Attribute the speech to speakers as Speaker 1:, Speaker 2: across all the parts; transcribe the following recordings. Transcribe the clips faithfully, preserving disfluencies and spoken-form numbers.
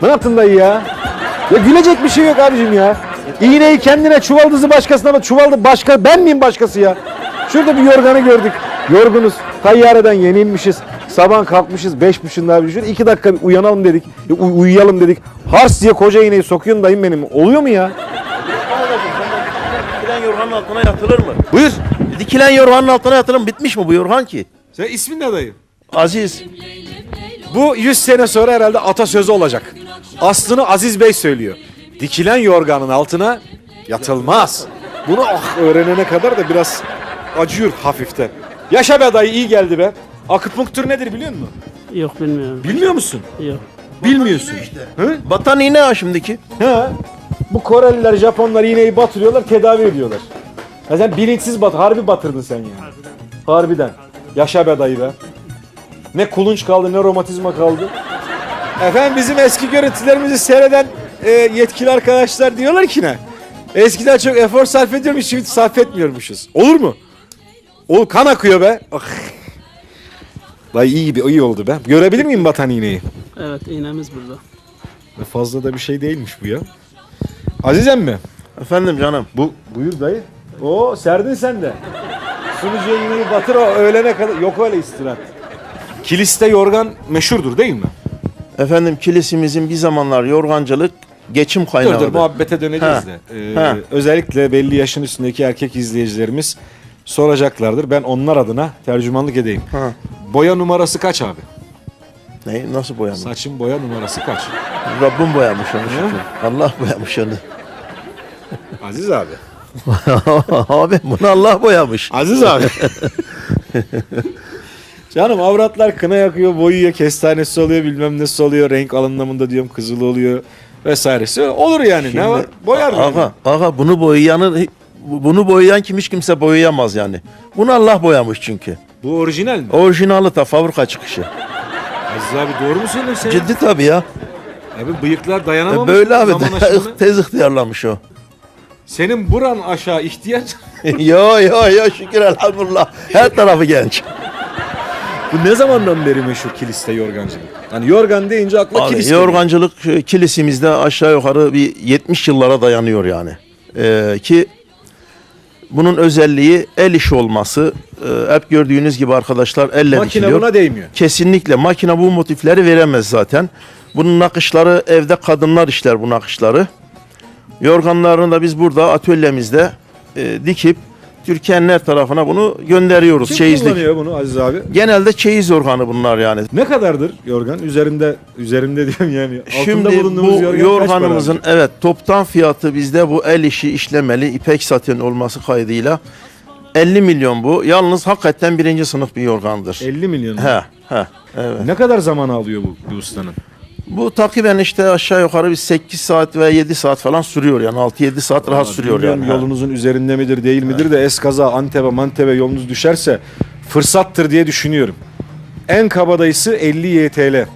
Speaker 1: Ne yaptın dayı ya? Ya gülecek bir şey yok abicim ya. İğneyi kendine, çuvaldızı başkasına, ama çuvaldı başka, ben miyim başkası ya? Şurada bir yorganı gördük. Yorgunuz. Tayyareden yeni inmişiz. Sabah kalkmışız beş buçukta bir iki dakika bir uyanalım dedik. Uy- uyuyalım dedik. Hars diye koca iğneyi sokuyorsun dayım benim. Oluyor mu ya?
Speaker 2: Dikilen yorganın altına yatılır mı?
Speaker 1: Buyur.
Speaker 2: Dikilen yorganın altına yatılır mı? Bitmiş mi bu yorgan ki?
Speaker 1: Sen ismin ne dayı?
Speaker 2: Aziz.
Speaker 1: Bu yüz sene sonra herhalde atasözü olacak. Aslını Aziz Bey söylüyor. Dikilen yorganın altına yatılmaz. Bunu ah öğrenene kadar da biraz acıyor hafiften. Yaşa be dayı, iyi geldi be. Akupunktur nedir biliyor musun?
Speaker 3: Yok bilmiyorum.
Speaker 1: Bilmiyor musun?
Speaker 3: Yok.
Speaker 1: Bilmiyorsun. Hı?
Speaker 2: Batan iğne ha şimdiki.
Speaker 1: He. Bu Koreliler, Japonlar iğneyi batırıyorlar, tedavi ediyorlar. Ya sen bilinçsiz bat, harbi batırdın sen yani. Harbiden. Yaşa be dayı be. Ne kulunç kaldı, ne romatizma kaldı. Efendim bizim eski görüntülerimizi seyreden e, yetkili arkadaşlar diyorlar ki ne? Eskiden çok efor sarf ediyormuş, şimdi sarf etmiyormuşuz. Olur mu? O kan akıyor be. Ah. Dayı iyi bir iyi oldu be. Görebilir miyim batan iğneyi?
Speaker 3: Evet iğnemiz burada.
Speaker 1: Fazla da bir şey değilmiş bu ya. Azizem mi?
Speaker 2: Efendim canım.
Speaker 1: Bu buyur dayı. Oo serdin sen de. Sunucuya iğneyi batır, o öğlene kadar. Yok öyle istirahat. Kiliste yorgan meşhurdur değil mi?
Speaker 2: Efendim kilisimizin bir zamanlar yorgancılık geçim
Speaker 1: Dur
Speaker 2: kaynağıdır.
Speaker 1: dur muhabbete döneceğiz
Speaker 2: Ha,
Speaker 1: de. Ee,
Speaker 2: ha.
Speaker 1: Özellikle belli yaşın üstündeki erkek izleyicilerimiz soracaklardır. Ben onlar adına tercümanlık edeyim.
Speaker 2: Ha.
Speaker 1: Boya numarası kaç abi?
Speaker 2: Ne? Nasıl boyamış?
Speaker 1: Saçın boya numarası kaç?
Speaker 2: Rabbim boyamış onu şükür. Allah boyamış onu.
Speaker 1: Aziz abi.
Speaker 2: Abi bunu Allah boyamış.
Speaker 1: Aziz abi. Canım avratlar kına yakıyor, boyuyor, kestanesi oluyor, bilmem nesi oluyor, renk anlamında diyorum kızıl oluyor vesairesi. Olur yani.
Speaker 2: Şimdi,
Speaker 1: ne var? Boyar mı?
Speaker 2: Aga, aga bunu boyayanı bunu boyayan kim hiç kimse boyayamaz yani. Bunu Allah boyamış çünkü.
Speaker 1: Bu orijinal mi?
Speaker 2: Orijinali ta fabrika çıkışı.
Speaker 1: Aziz abi doğru mu söylüyorsun sen?
Speaker 2: Ciddi tabii ya.
Speaker 1: Abi bıyıklar
Speaker 2: E
Speaker 1: dayanamamış.
Speaker 2: böyle abi
Speaker 1: zaman aşımına.
Speaker 2: tez ihtiyarlamış o.
Speaker 1: Senin buran aşağı ihtiyaç.
Speaker 2: yo yo yo şükür elhamdülillah. Her tarafı genç.
Speaker 1: Bu ne zamandan beri meşhur kiliste yorgancılık? Hani yorgan deyince akla
Speaker 2: Abi,
Speaker 1: kilis geliyor.
Speaker 2: yorgancılık e, kilisimizde aşağı yukarı bir yetmiş yıllara dayanıyor yani. Ee, ki bunun özelliği el işi olması. Ee, hep gördüğünüz gibi arkadaşlar elle
Speaker 1: Makine
Speaker 2: dikiliyor.
Speaker 1: buna değmiyor.
Speaker 2: Kesinlikle makine bu motifleri veremez zaten. Bunun nakışları evde kadınlar işler bu nakışları. Yorganlarını da biz burada atölyemizde e, dikip Türkiye'nin her tarafına bunu gönderiyoruz.
Speaker 1: Kim
Speaker 2: Çeyizlik.
Speaker 1: kullanıyor bunu Aziz abi?
Speaker 2: Genelde çeyiz yorganı bunlar yani.
Speaker 1: Ne kadardır yorgan? Üzerinde üzerinde diyorum yani. Altında
Speaker 2: Şimdi
Speaker 1: bulunduğumuz
Speaker 2: bu
Speaker 1: yorgan
Speaker 2: yorganımızın
Speaker 1: kaç para
Speaker 2: evet toptan fiyatı bizde bu el işi işlemeli ipek saten olması kaydıyla elli milyon bu. Yalnız hakikaten birinci sınıf bir yorgandır.
Speaker 1: abi? elli milyon.
Speaker 2: He, he, evet.
Speaker 1: Ne kadar zaman alıyor bu, bu ustanın?
Speaker 2: Bu takiben işte aşağı yukarı bir sekiz saat veya yedi saat falan sürüyor yani altı yedi saat rahat sürüyor
Speaker 1: Bilmiyorum
Speaker 2: yani.
Speaker 1: yolunuzun üzerinde midir değil midir de eskaza Antep'e Mantep'e yolunuz düşerse fırsattır diye düşünüyorum. En kabadayısı elli Y T L. Evet.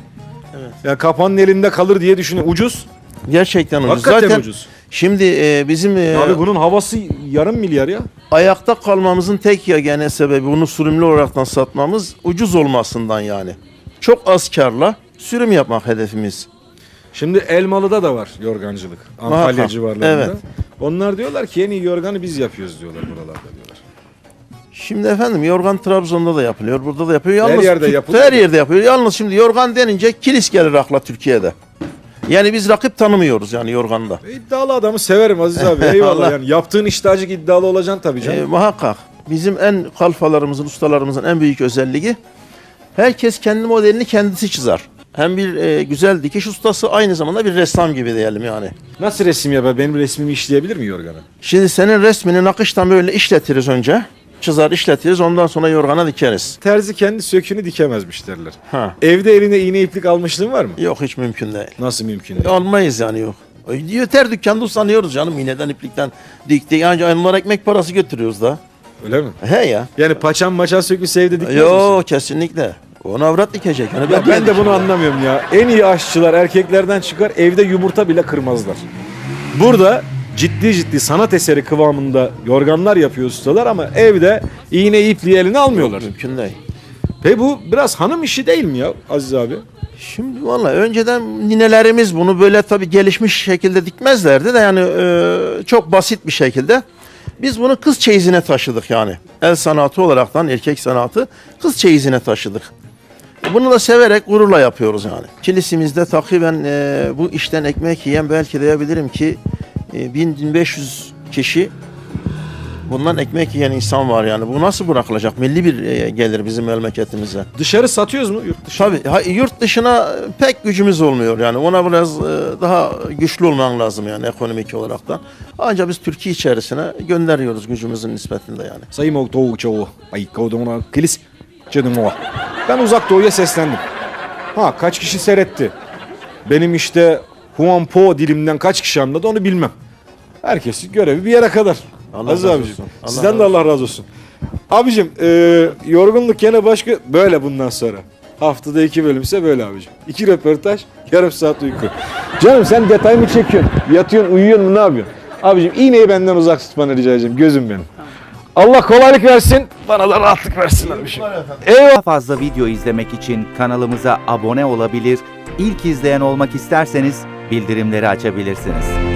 Speaker 1: Ya kapanın elinde kalır diye düşünüyorum. Ucuz.
Speaker 2: Gerçekten ucuz.
Speaker 1: Hakikaten
Speaker 2: Zaten
Speaker 1: ucuz.
Speaker 2: şimdi e, bizim e,
Speaker 1: Abi bunun havası yarım milyar ya.
Speaker 2: ayakta kalmamızın tek yegane sebebi bunu sürümlü olaraktan satmamız ucuz olmasından yani. Çok az karla sürüm yapmak hedefimiz.
Speaker 1: Şimdi Elmalı'da da var yorgancılık. Antalya
Speaker 2: Muhakkak,
Speaker 1: civarlarında.
Speaker 2: evet.
Speaker 1: Onlar diyorlar ki en iyi yorganı biz yapıyoruz diyorlar buralarda diyorlar.
Speaker 2: Şimdi efendim yorgan Trabzon'da da yapılıyor, burada da yapıyor. Yalnız
Speaker 1: Her yerde
Speaker 2: Türk-
Speaker 1: yapılıyor.
Speaker 2: Her yerde yapıyor. Yalnız şimdi yorgan denince kilis gelir akla Türkiye'de. Yani biz rakip tanımıyoruz yani yorganda.
Speaker 1: E, İddialı adamı severim Aziz abi. Eyvallah.
Speaker 2: Allah.
Speaker 1: Yani yaptığın işte acık iddialı olacaksın tabii canım.
Speaker 2: E, muhakkak. Bizim en kalfalarımızın, ustalarımızın en büyük özelliği herkes kendi modelini kendisi çizer. Hem bir e, güzel dikiş ustası aynı zamanda bir ressam gibi diyelim yani.
Speaker 1: Nasıl resim yapar? Benim resmimi işleyebilir mi yorgana?
Speaker 2: Şimdi senin resmini nakıştan böyle işletiriz önce. Çizer işletiriz ondan sonra yorgana dikeriz.
Speaker 1: Terzi kendi sökünü dikemezmiş derler.
Speaker 2: Ha.
Speaker 1: Evde eline iğne iplik almışlığın var mı?
Speaker 2: Yok hiç mümkün değil.
Speaker 1: Nasıl mümkün değil?
Speaker 2: Almayız yani yok. Yeter dükkanda usanıyoruz canım iğneden iplikten diktik. Yani onlara ekmek parası götürüyoruz da.
Speaker 1: Öyle mi?
Speaker 2: He ya.
Speaker 1: Yani paçam maçan sökülse evde dikmez
Speaker 2: Yok
Speaker 1: misin?
Speaker 2: kesinlikle. Onu avrat dikecek. Onu
Speaker 1: Ya
Speaker 2: ben,
Speaker 1: ben de bunu anlamıyorum ya. En iyi aşçılar erkeklerden çıkar, evde yumurta bile kırmazlar. Burada ciddi ciddi sanat eseri kıvamında yorganlar yapıyor ustalar ama evde iğne ipliği eline almıyorlar.
Speaker 2: Mümkün değil.
Speaker 1: Peki bu biraz hanım işi değil mi ya Aziz abi?
Speaker 2: Şimdi valla önceden ninelerimiz bunu böyle tabii gelişmiş şekilde dikmezlerdi de yani e, çok basit bir şekilde. Biz bunu kız çeyizine taşıdık yani. El sanatı olaraktan erkek sanatı kız çeyizine taşıdık. Bunu da severek gururla yapıyoruz yani. Kilisimizde takriben e, bu işten ekmek yiyen belki diyebilirim ki e, bin bin beş yüz kişi bundan ekmek yiyen insan var yani. Bu nasıl bırakılacak? Milli bir e, gelir bizim memleketimize.
Speaker 1: Dışarı satıyoruz mu yurt dışı?
Speaker 2: Tabii ha, yurt dışına pek gücümüz olmuyor yani ona biraz e, daha güçlü olman lazım yani ekonomik olarak da. Ancak biz Türkiye içerisine gönderiyoruz gücümüzün nispetinde yani.
Speaker 1: Sayın Doğu Çoğu. Ay kodumuna kilis. Canım o. Ben uzak doğuya seslendim. Ha kaç kişi seyretti? Benim işte Huan Po dilimden kaç kişi anladı onu bilmem. Herkesin görevi bir yere kadar.
Speaker 2: Allah
Speaker 1: Aziz
Speaker 2: razı
Speaker 1: abicim.
Speaker 2: olsun. Allah
Speaker 1: Sizden
Speaker 2: razı
Speaker 1: de Allah razı olsun. Abicim e, yorgunluk gene başka böyle bundan sonra. Haftada iki bölümse böyle abicim. İki röportaj, yarım saat uyku. Canım sen detay mı çekiyorsun? Yatıyorsun, uyuyorsun mu ne yapıyorsun? Abicim iğneyi benden uzak tutmanı rica edeceğim. Gözüm benim. Allah kolaylık versin. Bana da rahatlık versin abicim. Eyvallah.
Speaker 4: Daha fazla video izlemek için kanalımıza abone olabilir, ilk izleyen olmak isterseniz bildirimleri açabilirsiniz.